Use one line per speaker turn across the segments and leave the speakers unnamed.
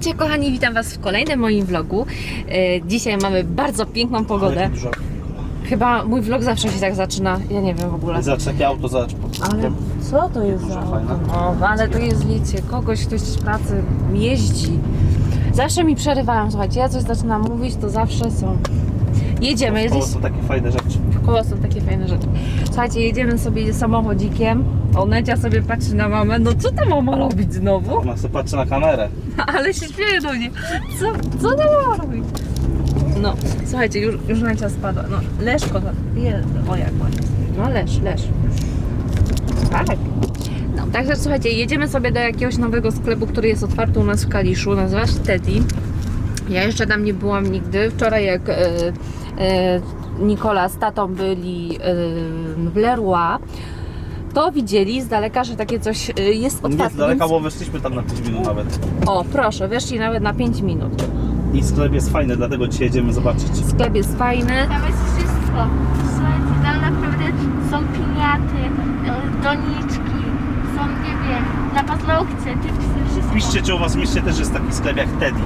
Witajcie kochani, witam Was w kolejnym moim vlogu. Dzisiaj mamy bardzo piękną pogodę. Chyba mój vlog zawsze się tak zaczyna, ja nie wiem w ogóle.
Zobacz, takie auto, zobacz.
Ale co to jest za auto? No, ale to jest, wiecie, ktoś z pracy jeździ. Zawsze mi przerywają, słuchajcie, ja coś zaczynam mówić, to zawsze są. Jedziemy.
W koło są takie fajne rzeczy.
W koło są takie fajne rzeczy. Słuchajcie, jedziemy sobie samochodzikiem. Onecia sobie patrzy na mamę. No co ta mama robić znowu?
Ona sobie patrzy na kamerę.
Ale się śmieje do mnie. Co ta mama robi? No, słuchajcie, już Necia spadła. No, Leszko, o jak ładnie. No, Lesz. Tak. No, także słuchajcie, jedziemy sobie do jakiegoś nowego sklepu, który jest otwarty u nas w Kaliszu. Nazywa się Teddy. Ja jeszcze tam nie byłam nigdy. Wczoraj jak Nikola z tatą byli w Leroy, to widzieli z daleka, że takie coś jest otwarte.
Nie z daleka,
więc...
bo weszliśmy tam na 5 minut nawet.
O, proszę, weszli nawet na 5 minut.
I sklep jest fajny, dlatego dzisiaj jedziemy zobaczyć.
Sklep jest fajny.
Tam jest wszystko. Słuchajcie, tam naprawdę są piniaty, doniczki, są, nie wiem, na paznokcie, chipsy, wszystko.
Piszcie, czy u was w mieście też jest taki sklep jak Teddy.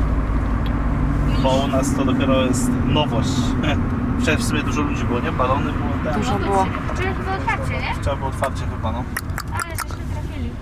Bo u nas to dopiero jest nowość. Wczoraj w sobie dużo ludzi było, nie? Balony było, tak.
Dużo było.
Wczoraj chyba otwarcie, nie?
Wczoraj było otwarcie chyba, no.
Ale żeśmy trafili.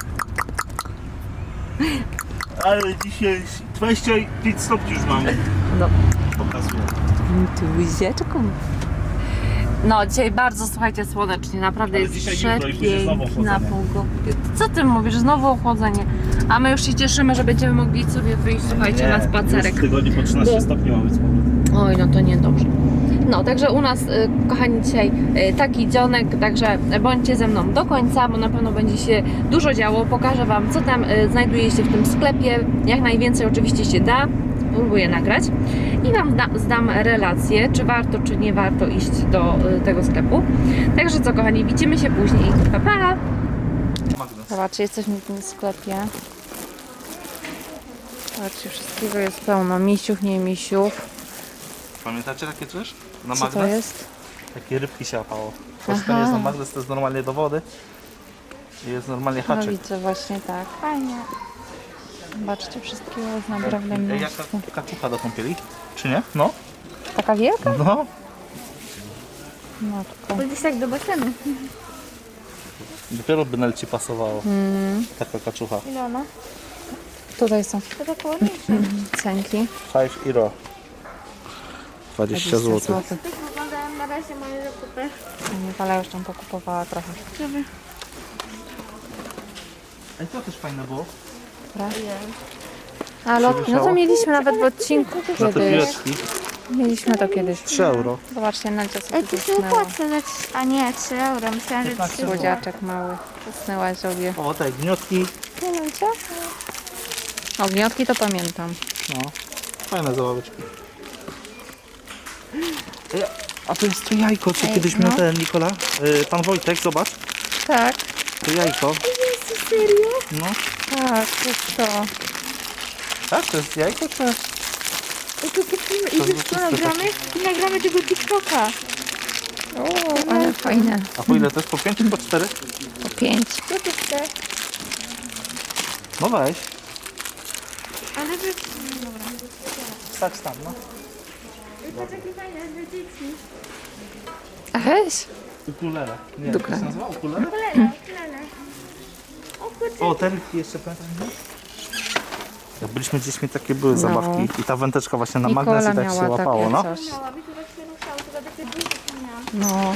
Ale dzisiaj 25 stopni już mamy.
No.
Pokazuję.
Tuzieczku. No, dzisiaj bardzo, słuchajcie, słonecznie. Naprawdę
Ale
jest
dzisiaj jutro i później znowu
przepiękna
ochłodzenie.
pogoda. Co ty mówisz? Znowu ochłodzenie. A my już się cieszymy, że będziemy mogli sobie wyjść, słuchajcie, na spacerek.
W tygodniu po 13 stopni mamy z powrotem.
Oj, no to niedobrze. No, także u nas, kochani, dzisiaj taki dzionek, także bądźcie ze mną do końca, bo na pewno będzie się dużo działo. Pokażę Wam, co tam znajduje się w tym sklepie. Jak najwięcej oczywiście się da. Spróbuję nagrać i Wam zdam relację, czy warto, czy nie warto iść do tego sklepu. Także co, kochani, widzimy się później. Pa, pa!
Magnes.
Zobaczcie, jesteśmy w tym sklepie. Zobaczcie, wszystkiego jest pełno. Misiów, nie misiów.
Pamiętacie takie coś? Na
Co
magnes?
to jest?
Takie rybki się łapało. To
Aha.
jest na magnes, to jest normalnie do wody. I jest normalnie
No
haczyk.
widzę, właśnie tak.
Fajnie.
Zobaczcie, wszystkiego jest naprawdę mnóstwo.
Jaka kaczucha do kąpieli? Czy nie? No.
Taka wielka?
No.
Matko.
Bo gdzieś tak do basenu.
Dopiero by Nel ci pasowało. Taka kaczucha.
Ile ona?
Tutaj są
To tak ładniejsze.
cenki.
5 euro. 20 zł.
złotych.
Tak wyglądają na razie moje zakupy.
Nikola już tam pokupowała trochę.
Żeby...
Ej, to też fajne było.
A lotki, no to mieliśmy nawet w odcinku
Za te
kiedyś.
piłeczki.
Mieliśmy to kiedyś.
3 euro.
Zobaczcie, Nadia sobie
Ej, to się
zasnęła.
opłaca dać... A nie, 3 euro. Myślałam, że 3 euro.
Słodziaczek mały. Zasnęła sobie.
O, te gniotki.
Pamiętacie? Ogniotki to pamiętam.
No. Fajne zabaweczki. Ej, a to jest to jajko, co kiedyś miał ten Nikola. Pan Wojtek, zobacz.
Tak,
To jajko.
Serio?
No.
tak, to jest to.
Tak, to jest jajko, czy?
I to kupimy
To
i wiesz
jest
co nagramy? I nagramy tego TikToka.
O, ale fajne.
A po ile to jest? Po 5 czy po 4?
Po 5.
Co ty chcesz?
No weź.
Ale wy... Dobra.
Stać tam, no.
I to takie fajne dla dzieci.
A weź.
Ukulele. Nie,
Dukle.
jak to się nazywa? Ukulele?
Ukulele. O kurczę.
O, ten jeszcze pamiętam. Jak byliśmy dziećmi, takie były zabawki. I ta wędeczka właśnie na magnes
Nikola
i tak się
miała
łapało,
takie
no.
coś.
Miała, mi to tak się ruszało, to takie duże to miałam.
No,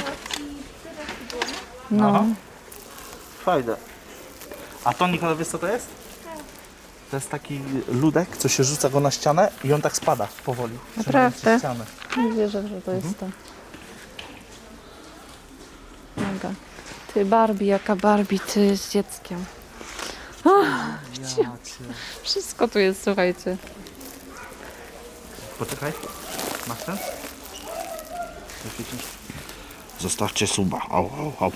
No.
no.
Aha. Fajne. A to, Nikola, wiesz co to jest? To jest taki ludek, co się rzuca go na ścianę i on tak spada powoli.
Naprawdę?
trzymając ścianę.
Nie wierzę, że to jest to. Mega. Ty Barbie, jaka Barbie, ty z dzieckiem. Wszystko tu jest, słuchajcie.
Poczekaj. Masz ten? Zostawcie suba. Au, au, au.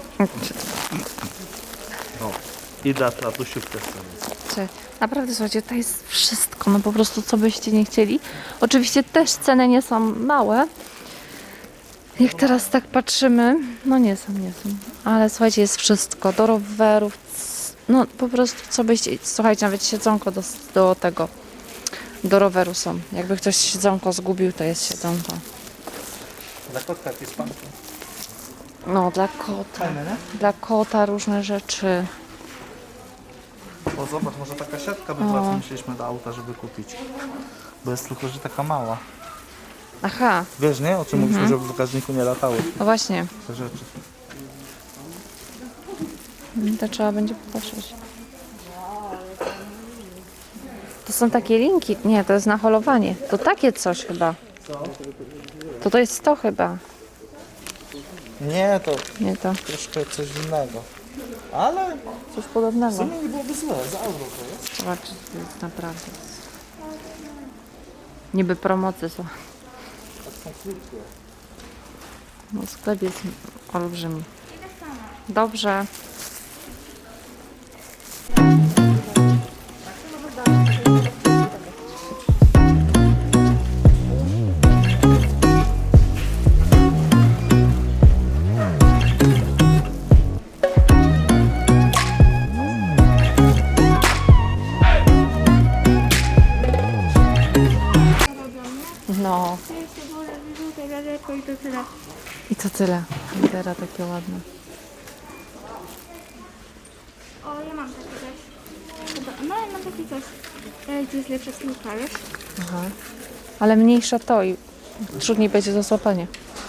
O. I dla tatusiów też sobie.
Naprawdę, słuchajcie, to jest wszystko, no po prostu co byście nie chcieli. Oczywiście też ceny nie są małe. Jak teraz tak patrzymy, no nie są, ale słuchajcie, jest wszystko. Do rowerów, No po prostu co byście, słuchajcie, nawet siedzonko do tego, do roweru są. Jakby ktoś siedzonko zgubił, to jest siedzonko.
Dla kotka jakieś panki.
No dla kota.
Fajne, nie?
Dla kota różne rzeczy.
O zobacz, może taka siatka by była, co musieliśmy do auta, żeby kupić. Bo jest tylko, że taka mała.
Aha,
Wiesz, nie? O czym mówiliśmy, żeby w bagażniku nie latały
no właśnie.
te rzeczy.
To trzeba będzie popatrzeć. To są takie linki. Nie, to jest na holowanie. To takie coś chyba. To jest to chyba.
Nie, to
Nie to.
troszkę coś innego. Ale
Coś
w
podobnego.
sumie nie byłoby złe, za euro to jest.
Zobaczcie, to jest naprawdę. Niby promocje są. No sklep jest olbrzymi. Dobrze. No. I to tyle. Litera takie ładne.
O, ja mam takie coś. Chyba- No, ja mam takie coś. To jest lepsze skórka, wiesz?
Aha. Ale mniejsza to i trudniej będzie do złapania.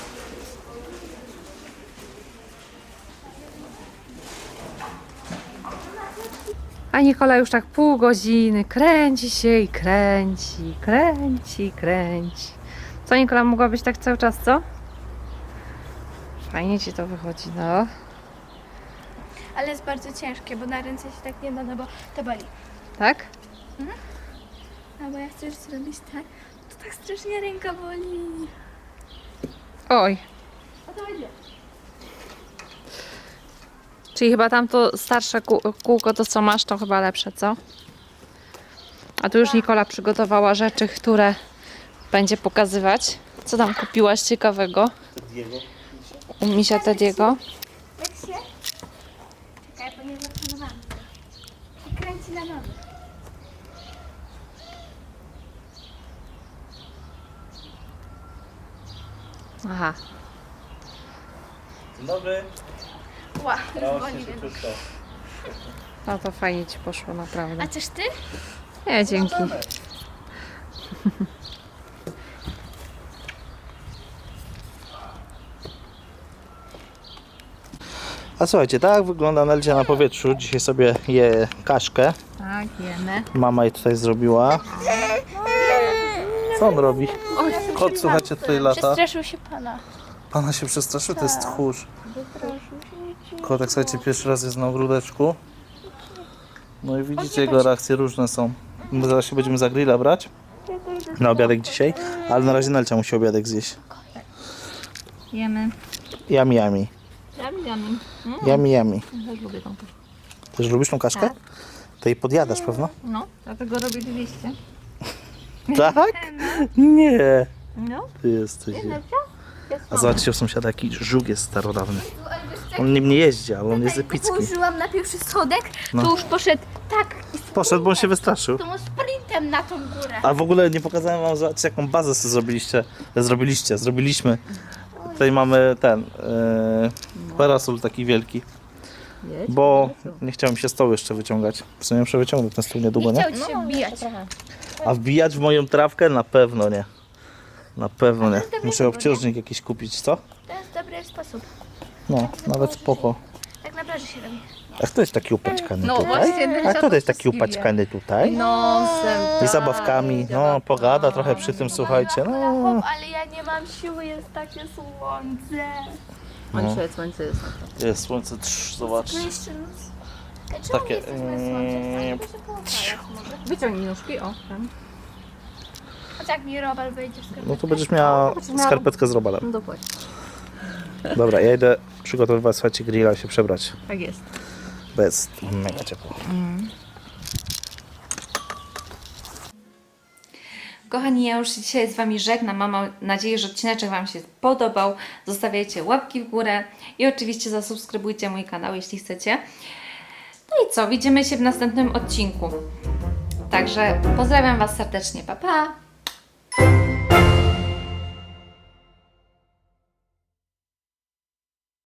A Nikola już tak pół godziny kręci się i kręci, kręci, kręci. Co Nikola, mogła być tak cały czas, co? Fajnie ci to wychodzi, no.
Ale jest bardzo ciężkie, bo na ręce się tak nie da, no bo to boli.
Tak?
No bo ja chcę już zrobić tak, to tak strasznie ręka boli.
Oj.
O to będzie.
Czyli chyba tamto starsze kółko, to co masz, to chyba lepsze, co? A tu już Nikola przygotowała rzeczy, które będzie pokazywać. Co tam kupiłaś ciekawego?
Diego.
U misia Tediego.
Tak się? Czekaj, bo nie zaplanowałam. I kręci na nowo.
Aha.
Dzień dobry.
Ła, już
Proszę
boli.
się krótko.
No to fajnie ci poszło, naprawdę.
A coś ty?
Nie, dzięki.
A słuchajcie, tak wygląda Nelcia na powietrzu. Dzisiaj sobie je kaszkę.
Tak, jemy.
Mama jej tutaj zrobiła. Co on robi? Kot, słuchajcie, tutaj lata.
Przestraszył się pana.
Pana się przestraszył, to jest tchórz. Kotek, słuchajcie, pierwszy raz jest na ogródeczku. No i widzicie, jego reakcje różne są. My zaraz się będziemy za grilla brać. Na obiadek dzisiaj. Ale na razie Nelcia musi obiadek zjeść.
Jemy.
Yummy, yummy.
Yummy.
Yummy, yummy.
Też lubię tą kaszkę.
Też lubisz tą kaszkę?
Tak.
To jej podjadasz, pewno?
No, dlatego robię 200.
Tak? Nie.
No.
Ty jesteś. A zobaczcie, u sąsiada jaki żuk jest starodawny. On nim nie jeździ, ale on jest epicki.
Położyłam na pierwszy schodek,
No.
to już poszedł tak i
Poszedł, bo on się wystraszył.
tą sprintem na tą górę.
A w ogóle nie pokazałem wam, zobaczcie, jaką bazę sobie zrobiliśmy. Tutaj mamy ten parasol taki wielki, bo nie chciałem się stołu jeszcze wyciągać. W sumie muszę wyciągnąć ten stół niedługo, nie?
Chciał ci się wbijać.
A wbijać w moją trawkę? Na pewno nie. Na pewno nie. Muszę obciążnik jakiś kupić, co?
To jest dobry sposób.
No, nawet spoko.
Tak na plaży się robi.
A kto jest taki upaćkany
No
tutaj?
właśnie,
A kto jest taki upaćkany tutaj?
Nosem.
I zabawkami. No, pogada trochę przy tym, słuchajcie. No,
Chłop, ale ja nie mam siły, jest takie słońce.
Słońce jest.
jest słońce, zobacz. Takie,
Wyciągnij nóżki, o. Tam.
A jak mi robal wejdzie w sklepie?
No to będziesz miała skarpetkę z robalem.
No dokładnie.
Dobra, ja idę przygotowywać, słuchajcie, grilla, się przebrać.
Tak jest.
Bo jest mega ciepło.
Kochani, ja już się dzisiaj z Wami żegnam. Mam nadzieję, że odcineczek Wam się podobał. Zostawiajcie łapki w górę i oczywiście zasubskrybujcie mój kanał, jeśli chcecie. No i co, widzimy się w następnym odcinku. Także pozdrawiam Was serdecznie, pa pa!